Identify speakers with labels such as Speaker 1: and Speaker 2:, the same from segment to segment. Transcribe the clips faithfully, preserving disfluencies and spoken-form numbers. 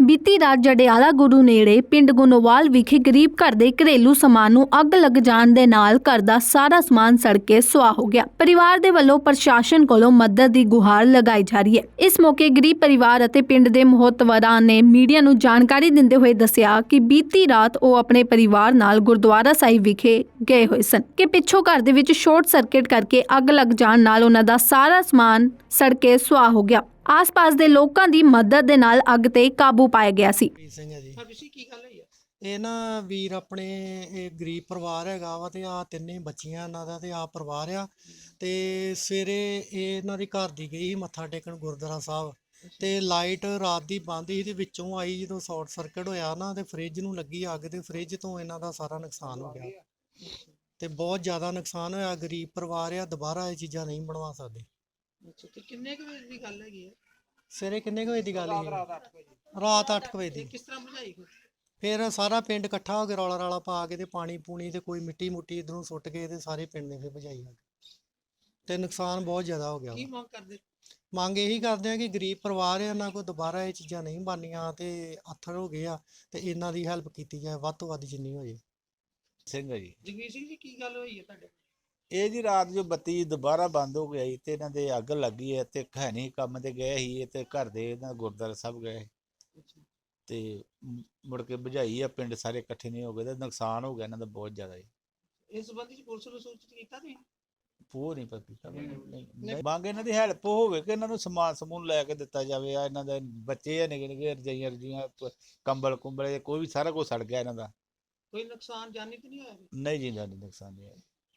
Speaker 1: ਬੀਤੀ ਰਾਤ ਜੜਿਆਲਾ ਗੁਰੂ ਨੇੜੇ ਪਿੰਡ ਗੁਨੋਵਾਲ ਵਿਖੇ ਗਰੀਬ ਘਰ ਦੇ ਘਰੇਲੂ ਸਮਾਨ ਨੂੰ ਅੱਗ ਲੱਗ ਜਾਣ ਦੇ ਨਾਲ ਘਰ ਦਾ ਸਾਰਾ ਸਮਾਨ ਸੜ ਕੇ ਸੁਆਹ ਹੋ ਗਿਆ। ਪਰਿਵਾਰ ਦੇ ਵੱਲੋਂ ਪ੍ਰਸ਼ਾਸਨ ਕੋਲੋਂ ਮਦਦ ਦੀ ਗੁਹਾਰ ਲਗਾਈ ਜਾ ਰਹੀ ਹੈ। ਇਸ ਮੌਕੇ ਗਰੀਬ ਪਰਿਵਾਰ ਅਤੇ ਪਿੰਡ ਦੇ ਮਹੱਤਵਰਾਂ ਨੇ ਮੀਡੀਆ ਨੂੰ ਜਾਣਕਾਰੀ ਦਿੰਦੇ ਹੋਏ ਦੱਸਿਆ ਕਿ ਬੀਤੀ ਰਾਤ ਉਹ ਆਪਣੇ ਪਰਿਵਾਰ ਨਾਲ ਗੁਰਦੁਆਰਾ ਸਾਹਿਬ ਵਿਖੇ ਗਏ ਹੋਏ ਸਨ ਕਿ ਪਿੱਛੋਂ ਘਰ ਦੇ ਵਿੱਚ ਸ਼ਾਰਟ ਸਰਕਟ ਕਰਕੇ ਅੱਗ ਲੱਗ ਜਾਣ ਨਾਲ ਉਹਨਾਂ ਦਾ ਸਾਰਾ ਸਮਾਨ ਸੜ ਕੇ ਸੁਆਹ ਹੋ ਗਿਆ। ਆਸ-ਪਾਸ ਦੇ ਲੋਕਾਂ ਦੀ ਮਦਦ ਦੇ ਨਾਲ ਅੱਗ ਤੇ ਕਾਬੂ ਪਾਇਆ ਗਿਆ ਸੀ।
Speaker 2: ਸਿੰਘ ਹੈ ਜੀ। ਹਰਵੀਰ ਸਿੰਘ ਕੀ ਗੱਲ ਹੋਈ ਆ? ਇਹ ਨਾ ਵੀਰ ਆਪਣੇ ਇਹ ਗਰੀਬ ਪਰਿਵਾਰ ਹੈਗਾ ਵਾ ਤੇ ਆ ਤਿੰਨੇ ਬੱਚੀਆਂ ਇਹਨਾਂ ਦਾ ਤੇ ਆ ਪਰਿਵਾਰ ਆ ਤੇ ਸਵੇਰੇ ਇਹ ਇਹਨਾਂ ਦੀ ਘਰ ਦੀ ਗਈ ਮੱਥਾ ਟੇਕਣ ਗੁਰਦੁਆਰਾ ਸਾਹਿਬ ਤੇ ਲਾਈਟ ਰਾਤ ਦੀ ਬੰਦ ਸੀ ਤੇ ਵਿੱਚੋਂ ਆਈ ਜਦੋਂ ਸ਼ਾਰਟ ਸਰਕਟ ਹੋਇਆ ਨਾ ਤੇ ਫ੍ਰਿਜ ਨੂੰ ਲੱਗੀ ਅੱਗ ਤੇ ਫ੍ਰਿਜ ਤੋਂ ਇਹਨਾਂ ਦਾ ਸਾਰਾ ਨੁਕਸਾਨ ਹੋ ਗਿਆ ਤੇ ਬਹੁਤ ਜ਼ਿਆਦਾ ਨੁਕਸਾਨ ਹੋਇਆ। ਗਰੀਬ ਪਰਿਵਾਰ ਆ, ਦੁਬਾਰਾ ਇਹ ਚੀਜ਼ਾਂ ਨਹੀਂ ਬਣਵਾ ਸਕਦੇ।
Speaker 3: ਅੱਛਾ ਤੇ ਕਿੰਨੇ ਕੁ ਵਜੇ ਦੀ ਗੱਲ ਹੈਗੀ ਹੈ?
Speaker 2: ਸਵੇਰੇ ਕਿੰਨੇ ਕੁ ਵਜੇ ਦੀ ਗੱਲ ਹੈ? ਰਾਤ ਅੱਠ ਵਜੇ ਦੀ।
Speaker 3: ਕਿਸ ਤਰ੍ਹਾਂ ਬੁਝਾਈ?
Speaker 2: ਫਿਰ ਸਾਰਾ ਪਿੰਡ ਇਕੱਠਾ ਹੋ ਕੇ ਰੌਲਾ ਰਾਲਾ ਪਾ ਕੇ ਤੇ ਪਾਣੀ ਪੂਣੀ ਤੇ ਕੋਈ ਮਿੱਟੀ ਮੁੱਟੀ ਇਧਰੋਂ ਸੁੱਟ ਕੇ ਤੇ ਸਾਰੇ ਪਿੰਡ ਨੇ ਫਿਰ ਬੁਝਾਈ ਅੱਗ ਤੇ ਨੁਕਸਾਨ ਬਹੁਤ ਜ਼ਿਆਦਾ ਹੋ ਗਿਆ।
Speaker 3: ਕੀ ਮੰਗ ਕਰਦੇ?
Speaker 2: ਮੰਗ ਇਹੀ ਕਰਦੇ ਆ ਕਿ ਗਰੀਬ ਪਰਿਵਾਰ ਆ, ਇਹਨਾਂ ਕੋਲ ਦੁਬਾਰਾ ਇਹ ਚੀਜ਼ਾਂ ਨਹੀਂ ਬਣਨੀਆਂ ਤੇ ਆਥਰ ਹੋ ਗਏ ਆ ਤੇ ਇਹਨਾਂ ਦੀ ਹੈਲਪ ਕੀਤੀ ਜਾਏ ਵੱਧ ਤੋਂ ਵੱਧ ਜਿੰਨੀ ਹੋ ਜੇ।
Speaker 4: ਸਿੰਘ ਹੈ ਜੀ।
Speaker 3: ਜਗਵੀਰ ਸਿੰਘ ਜੀ ਕੀ ਗੱਲ ਹੋਈ ਹੈ ਤੁਹਾਡੇ?
Speaker 4: ਇਹ ਜੀ ਰਾਤ ਜੋ ਬੱਤੀ ਦੁਬਾਰਾ ਬੰਦ ਹੋ ਗਈ ਤੇ ਇਹਨਾਂ ਦੇ ਅੱਗ ਲੱਗੀ ਹੈ ਤੇ ਹੈ ਨਹੀਂ ਕੰਮ ਤੇ ਗਏ ਸੀ ਤੇ ਘਰ ਦੇ ਇਹਨਾਂ ਗੁਰਦੁਆਰਾ ਸਾਹਿਬ ਗਏ ਤੇ ਮੁੜ ਕੇ ਬੁਝਾਈ ਆ, ਪਿੰਡ ਸਾਰੇ ਇਕੱਠੇ ਨਹੀਂ ਹੋ ਗਏ ਤੇ ਨੁਕਸਾਨ ਹੋ ਗਿਆ ਇਹਨਾਂ ਦਾ ਬਹੁਤ ਜ਼ਿਆਦਾ ਜੀ।
Speaker 3: ਇਸ ਸੰਬੰਧੀ ਚ ਪੁਲਿਸ ਨੂੰ ਸੂਚਿਤ ਕੀਤਾ ਤੁਸੀਂ?
Speaker 4: ਪੂਰ ਨਹੀਂ ਪਤਾ ਮੰਗ ਇਹਨਾਂ ਦੀ ਹੈਲਪ ਹੋਵੇ ਕਿ ਇਹਨਾਂ ਨੂੰ ਸਮਾਨ ਸਮੂਨ ਲੈ ਕੇ ਦਿੱਤਾ ਜਾਵੇ। ਆ ਇਹਨਾਂ ਦੇ ਬੱਚੇ ਆ ਨਿੱਕੇ ਨਿੱਕੇ ਰਜਾਈਆਂ ਰਜੀਆਂ ਕੰਬਲ ਕੁੰਬਲੇ ਕੋਈ ਵੀ ਸਾਰਾ ਕੁਝ ਸੜ ਗਿਆ ਇਹਨਾਂ ਦਾ।
Speaker 3: ਕੋਈ ਨੁਕਸਾਨ ਜਾਨੀ ਤੇ ਨਹੀਂ ਹੋਇਆ?
Speaker 4: ਨਹੀਂ ਜੀ ਜਾਨੀ ਨੁਕਸਾਨ ਨਹੀਂ ਹੋਇਆ।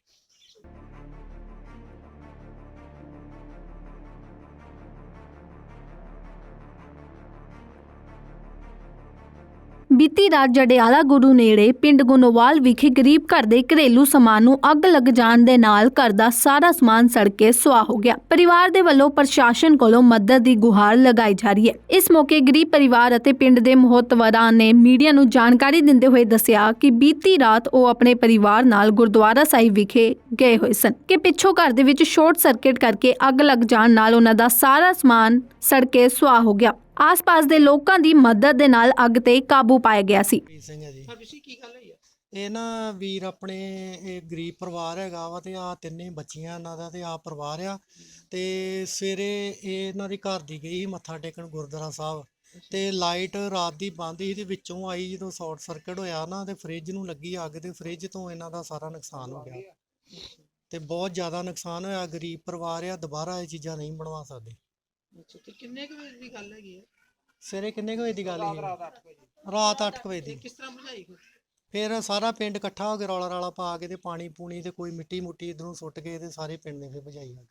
Speaker 1: ਬੀਤੀ ਰਾਤ ਜੜਿਆਲਾ ਗੁਰੂ ਨੇੜੇ ਪਿੰਡ ਗੁਨੋਵਾਲ ਵਿਖੇ ਗਰੀਬ ਘਰ ਦੇ ਘਰੇਲੂ ਸਮਾਨ ਨੂੰ ਅੱਗ ਲੱਗ ਜਾਣ ਦੇ ਨਾਲ ਘਰ ਦਾ ਸਾਰਾ ਸਮਾਨ ਸੜ ਕੇ ਸੁਆਹ ਹੋ ਗਿਆ। ਪਰਿਵਾਰ ਦੇ ਵੱਲੋਂ ਪ੍ਰਸ਼ਾਸਨ ਕੋਲੋਂ ਮਦਦ ਦੀ ਗੁਹਾਰ ਲਗਾਈ ਜਾ ਰਹੀ ਹੈ। ਇਸ ਮੌਕੇ ਗਰੀਬ ਪਰਿਵਾਰ ਅਤੇ ਪਿੰਡ ਦੇ ਮਹੱਤਵਰਾਂ ਨੇ ਮੀਡੀਆ ਨੂੰ ਜਾਣਕਾਰੀ ਦਿੰਦੇ ਹੋਏ ਦੱਸਿਆ ਕਿ ਬੀਤੀ ਰਾਤ ਉਹ ਆਪਣੇ ਪਰਿਵਾਰ ਨਾਲ ਗੁਰਦੁਆਰਾ ਸਾਹਿਬ ਵਿਖੇ ਗਏ ਹੋਏ ਸਨ ਕਿ ਪਿੱਛੋਂ ਘਰ ਦੇ ਵਿੱਚ ਸ਼ਾਰਟ ਸਰਕਟ ਕਰਕੇ ਅੱਗ ਲੱਗ ਜਾਣ ਨਾਲ ਉਹਨਾਂ ਦਾ ਸਾਰਾ ਸਮਾਨ ਸੜ ਕੇ ਸੁਆਹ ਹੋ ਗਿਆ। ਆਸ-ਪਾਸ ਦੇ ਲੋਕਾਂ ਦੀ ਮਦਦ ਦੇ ਨਾਲ ਅੱਗ ਤੇ ਕਾਬੂ ਪਾਇਆ ਗਿਆ ਸੀ।
Speaker 2: ਸਿੰਘ ਹੈ ਜੀ।
Speaker 3: ਹਰਵੀਰ ਸਿੰਘ ਕੀ ਗੱਲ ਹੋਈ ਆ?
Speaker 2: ਇਹ ਨਾ ਵੀਰ ਆਪਣੇ ਇਹ ਗਰੀਬ ਪਰਿਵਾਰ ਹੈਗਾ ਵਾ ਤੇ ਆ ਤਿੰਨੇ ਬੱਚੀਆਂ ਇਹਨਾਂ ਦਾ ਤੇ ਆ ਪਰਿਵਾਰ ਆ ਤੇ ਸਵੇਰੇ ਇਹ ਇਹਨਾਂ ਦੀ ਘਰ ਦੀ ਗਈ ਮੱਥਾ ਟੇਕਣ ਗੁਰਦੁਆਰਾ ਸਾਹਿਬ ਤੇ ਲਾਈਟ ਰਾਤ ਦੀ ਬੰਦ ਸੀ ਤੇ ਵਿੱਚੋਂ ਆਈ ਜਦੋਂ ਸ਼ਾਰਟ ਸਰਕਟ ਹੋਇਆ ਨਾ ਤੇ ਫ੍ਰਿਜ ਨੂੰ ਲੱਗੀ ਅੱਗ ਤੇ ਫ੍ਰਿਜ ਤੋਂ ਇਹਨਾਂ ਦਾ ਸਾਰਾ ਨੁਕਸਾਨ ਹੋ ਗਿਆ ਤੇ ਬਹੁਤ ਜ਼ਿਆਦਾ ਨੁਕਸਾਨ ਹੋਇਆ। ਗਰੀਬ ਪਰਿਵਾਰ ਆ, ਦੁਬਾਰਾ ਇਹ ਚੀਜ਼ਾਂ ਨਹੀਂ ਬਣਵਾ ਸਕਦੇ।
Speaker 3: ਅੱਛਾ ਤੇ ਕਿੰਨੇ ਕੁ ਵਜੇ ਦੀ ਗੱਲ ਹੈਗੀ ਹੈ?
Speaker 2: ਸਵੇਰੇ ਕਿੰਨੇ ਕੁ ਵਜੇ ਦੀ ਗੱਲ ਹੈ? ਰਾਤ ਅੱਠ ਵਜੇ ਦੀ।
Speaker 3: ਕਿਸ ਤਰ੍ਹਾਂ ਬੁਝਾਈ?
Speaker 2: ਫਿਰ ਸਾਰਾ ਪਿੰਡ ਇਕੱਠਾ ਹੋ ਕੇ ਰੌਲਾ ਰਾਲਾ ਪਾ ਕੇ ਤੇ ਪਾਣੀ ਪੂਣੀ ਤੇ ਕੋਈ ਮਿੱਟੀ ਮੁੱਟੀ ਇਧਰੋਂ ਸੁੱਟ ਕੇ ਤੇ ਸਾਰੇ ਪਿੰਡ ਨੇ ਫਿਰ ਬੁਝਾਈ ਅੱਗ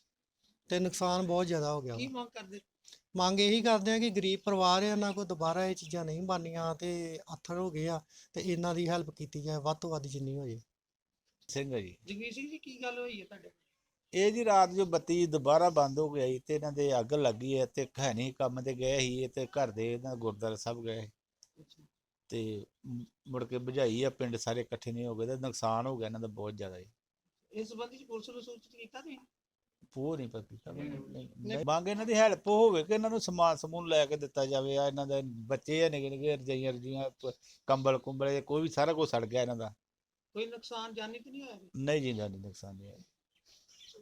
Speaker 2: ਤੇ ਨੁਕਸਾਨ ਬਹੁਤ ਜ਼ਿਆਦਾ ਹੋ ਗਿਆ।
Speaker 3: ਕੀ ਮੰਗ ਕਰਦੇ?
Speaker 2: ਮੰਗ ਇਹੀ ਕਰਦੇ ਆ ਕਿ ਗਰੀਬ ਪਰਿਵਾਰ ਆ, ਇਹਨਾਂ ਕੋਲ ਦੁਬਾਰਾ ਇਹ ਚੀਜ਼ਾਂ ਨਹੀਂ ਬਣਨੀਆਂ ਤੇ ਆਥਰ ਹੋ ਗਏ ਆ ਤੇ ਇਹਨਾਂ ਦੀ ਹੈਲਪ ਕੀਤੀ ਜਾਏ ਵੱਧ ਤੋਂ ਵੱਧ ਜਿੰਨੀ ਹੋ ਜੇ।
Speaker 4: ਸਿੰਘ ਹੈ ਜੀ।
Speaker 3: ਜਗਵੀਰ ਸਿੰਘ ਜੀ ਕੀ ਗੱਲ ਹੋਈ ਹੈ ਤੁਹਾਡੇ?
Speaker 4: ਇਹ ਜੀ ਰਾਤ ਜੋ ਬੱਤੀ ਦੁਬਾਰਾ ਬੰਦ ਹੋ ਗਈ ਤੇ ਇਹਨਾਂ ਦੇ ਅੱਗ ਲੱਗੀ ਹੈ ਤੇ ਹੈ ਨਹੀਂ ਕੰਮ ਤੇ ਗਏ ਸੀ ਤੇ ਘਰ ਦੇ ਇਹਨਾਂ ਗੁਰਦੁਆਰਾ ਸਾਹਿਬ ਗਏ ਤੇ ਮੁੜ ਕੇ ਬੁਝਾਈ ਆ, ਪਿੰਡ ਸਾਰੇ ਇਕੱਠੇ ਨਹੀਂ ਹੋ ਗਏ ਤੇ ਨੁਕਸਾਨ ਹੋ ਗਿਆ ਇਹਨਾਂ ਦਾ ਬਹੁਤ ਜ਼ਿਆਦਾ ਜੀ।
Speaker 3: ਇਸ ਸੰਬੰਧੀ ਚ ਪੁਲਿਸ ਨੂੰ ਸੂਚਿਤ ਕੀਤਾ ਤੁਸੀਂ?
Speaker 4: ਪੂਰ ਨਹੀਂ ਪਤਾ ਮੰਗ ਇਹਨਾਂ ਦੀ ਹੈਲਪ ਹੋਵੇ ਕਿ ਇਹਨਾਂ ਨੂੰ ਸਮਾਨ ਸਮੂਨ ਲੈ ਕੇ ਦਿੱਤਾ ਜਾਵੇ। ਆ ਇਹਨਾਂ ਦੇ ਬੱਚੇ ਆ ਨਿੱਕੇ ਨਿੱਕੇ ਰਜਾਈਆਂ ਰਜੀਆਂ ਕੰਬਲ ਕੁੰਬਲੇ ਕੋਈ ਵੀ ਸਾਰਾ ਕੁਝ ਸੜ ਗਿਆ ਇਹਨਾਂ ਦਾ।
Speaker 3: ਕੋਈ ਨੁਕਸਾਨ ਜਾਨੀ ਤੇ ਨਹੀਂ ਹੋਇਆ?
Speaker 4: ਨਹੀਂ ਜੀ ਜਾਨੀ ਨੁਕਸਾਨ ਨਹੀਂ ਹੋਇਆ।